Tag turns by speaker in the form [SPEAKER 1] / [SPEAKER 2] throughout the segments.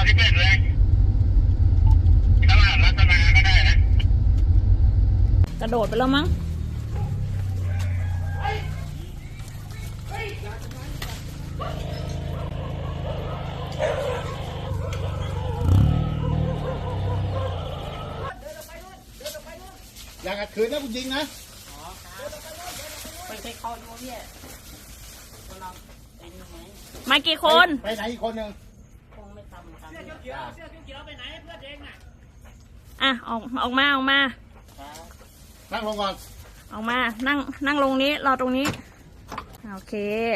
[SPEAKER 1] ที่เป็นเลยตลาดรัตนาก็ได้นะ
[SPEAKER 2] กระโดดไปแล้วมั้ง
[SPEAKER 3] อยากขัดขืนนะคุณยิงนะ
[SPEAKER 4] ไปเข้าดูพี่เราไปดูไหม
[SPEAKER 2] มากี่คน
[SPEAKER 3] ไปไหนอีกคนหนึ่ง
[SPEAKER 4] คงไม่ทำกันเสื้อเขียวไปไหนเพื่อนเองน่ะ
[SPEAKER 2] ออกมา
[SPEAKER 3] นั่งลงก่อน
[SPEAKER 2] ออกมานั่งลงนี้รอตรงนี้โอเค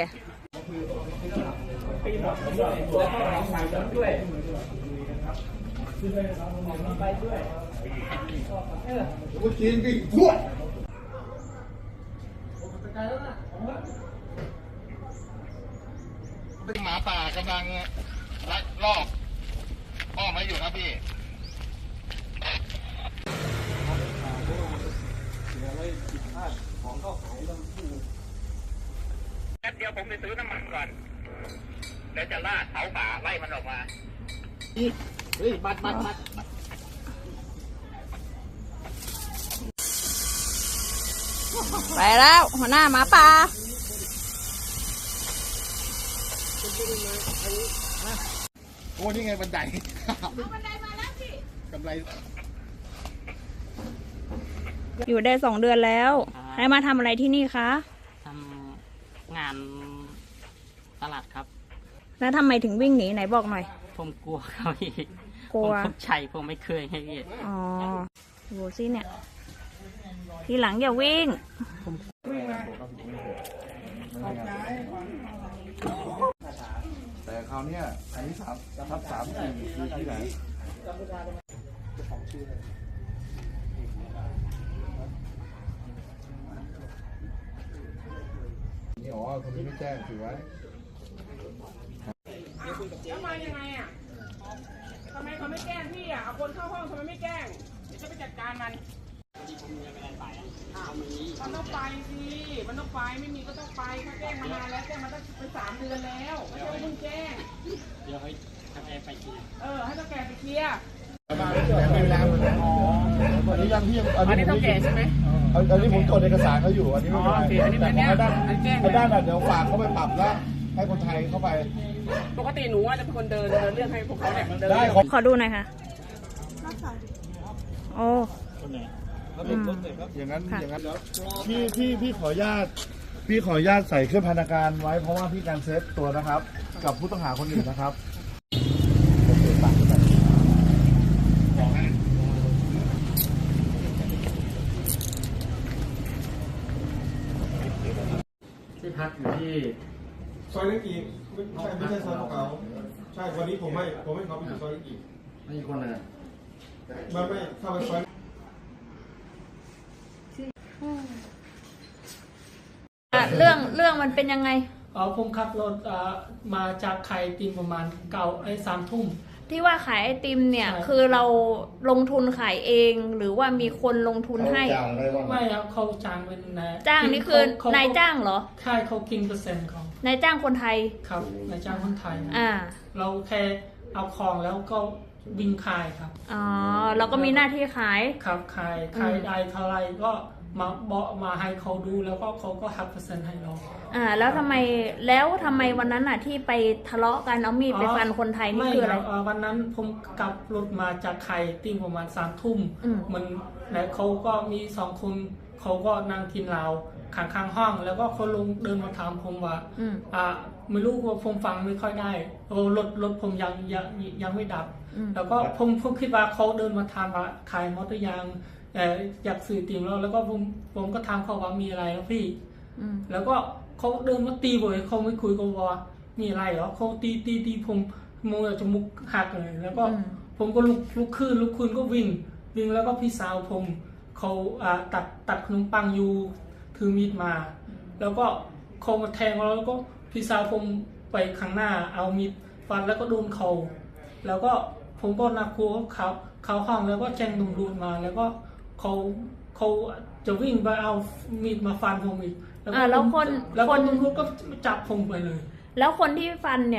[SPEAKER 3] กูกินดิพวกเป็นหมาป่ากำลังลักลอบอ้อมมาอยู่ครับพี่
[SPEAKER 1] เดี๋ยวผมไปซื้อน้ำมันก่อนแล้วจะลาดเผาป่าไล่มันออกมา
[SPEAKER 3] เฮ้ยบัด
[SPEAKER 2] ไปแล้วหัวหน้าหมาป่า
[SPEAKER 3] โอ้นี่ไงบันได
[SPEAKER 2] บันไดมาแล้วสิ
[SPEAKER 3] กำไร
[SPEAKER 2] อยู่ได้2 เดือนแล้วให้มาทำอะไรที่นี่คะ
[SPEAKER 4] ทำงานตลาดครับ
[SPEAKER 2] แล้วทำไมถึงวิ่งหนีไหนบอกหน่อย
[SPEAKER 4] ผมกลัวเขาอีก
[SPEAKER 2] กลัว
[SPEAKER 4] ผมชัยผมไม่เคยให้พี่
[SPEAKER 2] อ๋อดูสิเนี่ยทีหลังอย่าวิ่ง
[SPEAKER 3] แต่คราวนี้อันนี้3/4คือที่ไหนนี่อ๋อคนที่ไม่แจ้งถือไว้
[SPEAKER 5] แล้วมายังไงอ่ะทำไมเขาไม่แกล้งพี่อ่ะเอาคนเข้าห้องทำไมไม่แกล้งเดี๋ยวจะไปจัดการมันมันต้องไปสิมันต้องไปไม่มีก็ต้องไปเขาแจ้งมานานแล้วแจ้งมาตั้งเป็น3 เดือนแล้วไม่ใช่ว่าเพิ่งแจ้ง
[SPEAKER 4] เดี๋ยวให้ทำแอร์ไปเคลียร์
[SPEAKER 5] ให้ต้องแกไปเคลียร์
[SPEAKER 3] อันนี้ยังพี่
[SPEAKER 5] อันนี้ต้องแกใช่ไหม
[SPEAKER 3] อันนี้ผมจดเอกสารเขาอยู่อันนี้ไม่เป็นไรแต่ให้ด้านเดี๋ยวฝากเขาไปปรับแล้วให้คนไทยเข้าไป
[SPEAKER 5] ปกติหนูจะเป็นคนเดินเรื่องให้พวกเขาเนี่ยเดิน
[SPEAKER 3] ได้
[SPEAKER 2] ขอดูหน่อยค่ะโอ้
[SPEAKER 3] อย่างนั้นพี่ขออนุญาตใส่เครื่องพันธการไว้เพราะว่าพี่การเซฟตัวนะครับกับผู้ต้องหาคนอื่นนะครับ
[SPEAKER 6] ที่พักอยู่ที่
[SPEAKER 7] ซอยเล็กอีกไม่ใช่ซอยเขาใช่วันนี้ผมให้เขาไปอยู่ซอยเล็กอีก
[SPEAKER 6] ไม่มีคนเลย
[SPEAKER 7] ไม่เข้าไปซอย
[SPEAKER 2] เรื่องมันเป็นยังไง
[SPEAKER 5] ผมขับรถมาจากไข่ตีนประมาณ3 ทุ่ม
[SPEAKER 2] ที่ว่าขายไอติมเนี่ยคือเราลงทุนขายเองหรือว่ามีคนลงทุนให้
[SPEAKER 5] ไม่ครับเขาจ้างเป็น
[SPEAKER 2] จ้างนี่คือนายจ้างเหรอ
[SPEAKER 5] ใช่เขากิน%เขา
[SPEAKER 2] นายจ้างคนไทย
[SPEAKER 5] ครับนายจ้างคนไทยเราแค่เอาของแล้วก็วิ่งขายครับ
[SPEAKER 2] อ๋อเราก็มีหน้าที่ขาย
[SPEAKER 5] ครับขายได้เท่าไรก็มาให้เขาดูแล้วก็เขาก็หัก%ให้เรา
[SPEAKER 2] แล้วทำไมวันนั้นน่ะที่ไปทะเลาะกันเอามีดไปฟันคนไทยนี่คืออะไร
[SPEAKER 5] วันนั้นผมกลับรถมาจากไข่ติ้งประมาณ3 ทุ่มมันแล้วเขาก็มี2 คนเขาก็นั่งกินเหล้าข้างห้องแล้วก็เขาลงเดินมาถามผมว่าไม่รู้ว่าผมฟังไม่ค่อยได้รถผมยังไม่ดับแล้วก็ผมคิดว่าเขาเดินมาถามว่าขายมอเตอร์ยางอยากสื่อติ่งแล้วก็ผมก็ถามเขาว่ามีอะไรแล้วพี่แล้วก็เขาเดินมาตีผมเขาไม่คุยกับว่ามีอะไรเหรอเขาตีผมมือจมูกหักเลยแล้วก็ผมก็ลุกขึ้นก็วิ่งแล้วก็พี่สาวผมเขาตัดขนมปังอยู่ถือมีดมาแล้วก็เขามาแทงแล้วก็พี่สาวผมไปข้างหน้าเอามีดฟันแล้วก็โดนเขาแล้วก็ผมก็นักกลัวเขาห้องแล้วก็แจ้งตำรวจมาแล้วก็เขาจะวิ่งไปเอามีดมาฟันผมอีก
[SPEAKER 2] แล้วคน
[SPEAKER 5] ตำรวจก็จับผมไปเลย
[SPEAKER 2] แล้วคนที่ฟันเนี่ย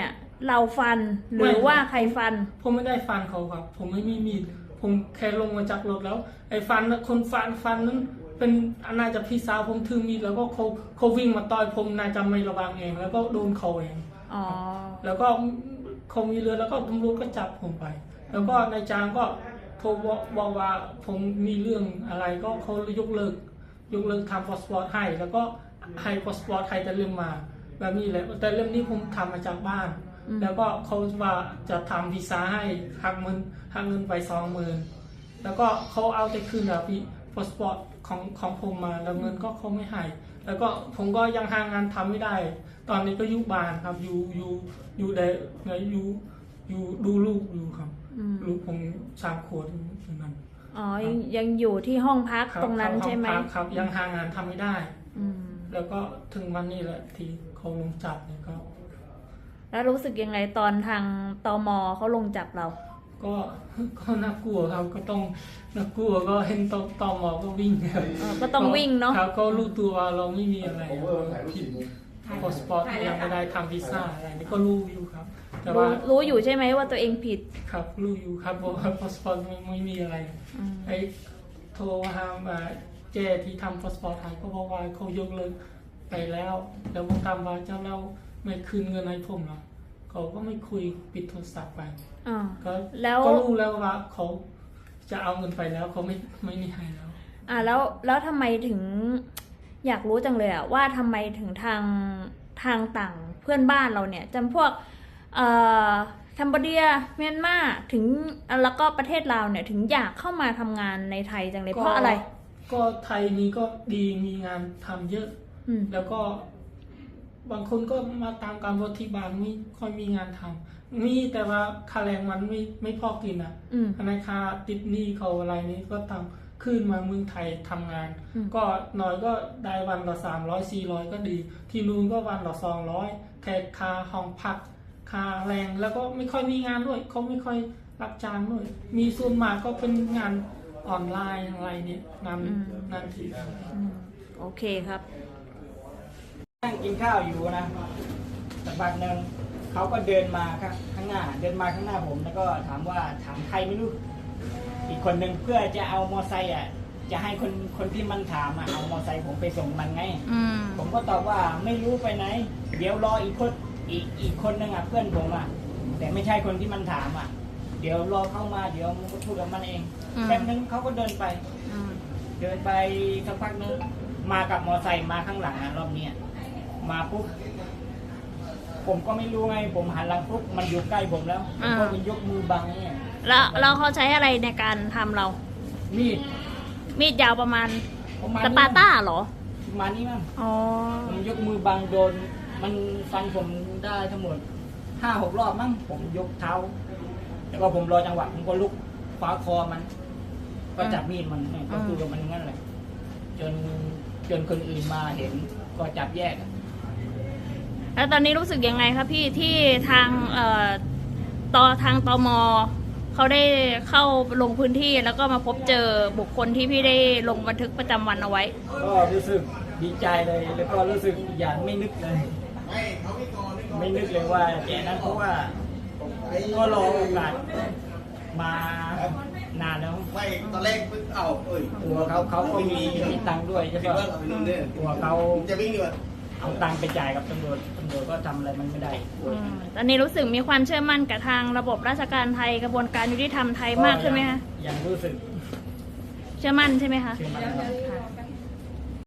[SPEAKER 2] เราฟันหรือว่าใครฟัน
[SPEAKER 5] ผมไม่ได้ฟันเขาครับ ผมไม่มีมีดผมแค่ลงมาจากรถแล้ว ไอ้ฟันน่ะคนฟันนั้นเป็นน่าจะพี่สาวผมถือมีดแล้วก็เขาวิ่งมาต่อยผมน่าจะไม่ระวังเอง แล้วก็โดนเขาเอง
[SPEAKER 2] อ๋อ
[SPEAKER 5] แล้วก็เขามีเรือแล้วก็ตำรวจก็จับผมไป แล้วก็นายจ้างก็โทรบอกว่าผมมีเรื่องอะไรก็เขายกเลิกทำพาสปอร์ตให้ แล้วก็ให้พาสปอร์ตไทยแต่เล่มมาแบบนี้แหละแต่เล่มนี้ผมทำมาจากบ้าน แล้วก็เขาว่าจะทำวีซ่าให้หักเงินไป20,000แล้วก็เขาเอาแต่คืนแบบพาสปอร์ตของผมมาแล้วเงินก็เขาไม่ให้แล้วก็ผมก็ยังหางานทำไม่ได้ ตอนนี้ก็อยู่บ้านครับอยู่ได้อยู่ดูลูกอยู่ครับลูกผม3 ขวบอยู่นั้น
[SPEAKER 2] อ๋อยังอยู่ที่ห้องพัก
[SPEAKER 5] ครับ
[SPEAKER 2] ตรงนั้นใช่ไหม
[SPEAKER 5] ครับยังหางานทำไม่ได้
[SPEAKER 2] อืม
[SPEAKER 5] แล้วก็ถึงวันนี้แหละที่เขาลงจับเนี่ยก็
[SPEAKER 2] แล้วรู้สึกยังไงตอนทางตมเขาลงจับเรา
[SPEAKER 5] ก็น่ากลัวครับก็ต้องน่ากลัวก็เห็นตอมอก็วิ่งครับ
[SPEAKER 2] ก็ต้องวิ่งเนาะ
[SPEAKER 5] ครับก็รู้ตัวว่าเราไม่มีอะไรผิดพาสปอร์ตยังไม่ได้ทำวีซ่าอะไรนี่ก็รู้อยู่ครับ แต่ว่า
[SPEAKER 2] รู้อยู่ใช่ไหมว่าตัวเองผิด
[SPEAKER 5] ครับรู้อยู่ครับเพราะว่าพาสปอร์ตไม่มีอะไร ไอ้โทรหาเจที่ทำพาสปอร์ตไทยก็บอกว่าเขายกเลิกไปแล้วแล้วผมถามว่าเจ้าเราไม่คืนเงินให้ผมเหรอเขาก็ไม่คุยปิดโทรศัพท์ไป
[SPEAKER 2] อ่า
[SPEAKER 5] ก็
[SPEAKER 2] แล้ว
[SPEAKER 5] ก็รู้แล้วว่าเขาจะเอาเงินไปแล้วเขาไม่มีให้แล้ว
[SPEAKER 2] แล้วทำไมถึงอยากรู้จังเลยอะว่าทำไมถึงทางต่างเพื่อนบ้านเราเนี่ยจำพวกแคนเบเดียเมียนมาถึงแล้วก็ประเทศลาวเนี่ยถึงอยากเข้ามาทำงานในไทยจังเลยเพราะอะไร
[SPEAKER 5] ก็ไทยนี้ก็ดีมีงานทำเยอะ แล้วก็บางคนก็มาตามการวัที่บ้านไม่ค่อยมีงานทำมีแต่ว่าค่าแรงมันไม่พอกินอ่ะธนาคารติดหนี้เขาอะไรนี้ก็ทำขึ้นมาเมืองไทยทำงาน ก็น้อยก็ได้วันละ300-400ก็ดี ที่นู่นก็วันละ200แค่ค่าห้องพักค่าแรงแล้วก็ไม่ค่อยมีงานด้วยเขาไม่ค่อยรับจ้างด้วยมีส่วนมากก็เป็นงานออนไลน์อะไรเนี่ยงานที่
[SPEAKER 2] โอเคครับ
[SPEAKER 8] นั่งกินข้าวอยู่นะสักพักหนึ่งเขาก็เดินมาข้างหน้าผมแล้วก็ถามใครไม่รู้อีกคนหนึ่งเพื่อจะเอามอไซค์จะให้คนที่มันถามเอามอไซค์ผมไปส่งมันไงผมก็ตอบว่าไม่รู้ไปไหนเดี๋ยวรออีกคนหนึ่งเพื่อนผมแต่ไม่ใช่คนที่มันถามเดี๋ยวรอเข้ามาเดี๋ยวมันก็พูดกับมันเองแป๊บนึงเขาก็เดินไปสักพักนึงมากับมอไซค์มาข้างหลังรอบนี้มาปุ๊บผมก็ไม่รู้ไงผมหันหลังปุ๊บมันอยู่ใกล้ผมแล้วผมก็มันยกมือบังเนี่ย
[SPEAKER 2] แล้วเขาใช้อะไรในการทำเรา มีดยาวประมาณสปาต้าเหรอ
[SPEAKER 8] ประมาณนี้มั้ง
[SPEAKER 2] อ๋อ
[SPEAKER 8] ผมยกมือบังโดนมันฟันผมได้ทั้งหมด 5-6 รอบมั้งผมยกเท้าแล้วก็ผมรอจังหวะผมก็ลุกคว้าคอมัน ก็จับมีดมันก็คือกับมันงั้นแหละจนคนอื่นมาเห็นก็จับแยก
[SPEAKER 2] แล้วตอนนี้รู้สึกยังไงครับพี่ที่ทางทางตมเขาได้เข้าลงพื้นที่แล้วก็มาพบเจอบุคคลที่พี่ได้ลงบันทึกประจำวันเอาไว้
[SPEAKER 8] ก็รู้สึกดีใจเลยแล้วก็รู้สึกอย่างไม่นึกเลยว่าแกนั้นเพราะว่าก็รอโอกาสมานานแล้ว
[SPEAKER 6] ไม่ตอนแรก
[SPEAKER 8] ตัวเขาก็มีตังค์ด้วยใช่ปะตัวเขา
[SPEAKER 6] จะวิ่งดีกว่า
[SPEAKER 8] เอาตังค์ไปจ่ายกับตำรวจก็ทำอะไรมันไม่ได้
[SPEAKER 2] ตอนนี้รู้สึกมีความเชื่อมั่นกับทางระบบราชการไทยกระบวนการยุติธรรมไทยมากขึ้นไหมคะ
[SPEAKER 8] ยังรู้สึก
[SPEAKER 2] เชื่อมั่นใช่ไหมคะ
[SPEAKER 8] เชื่อมั่นครับ
[SPEAKER 2] ค่ะ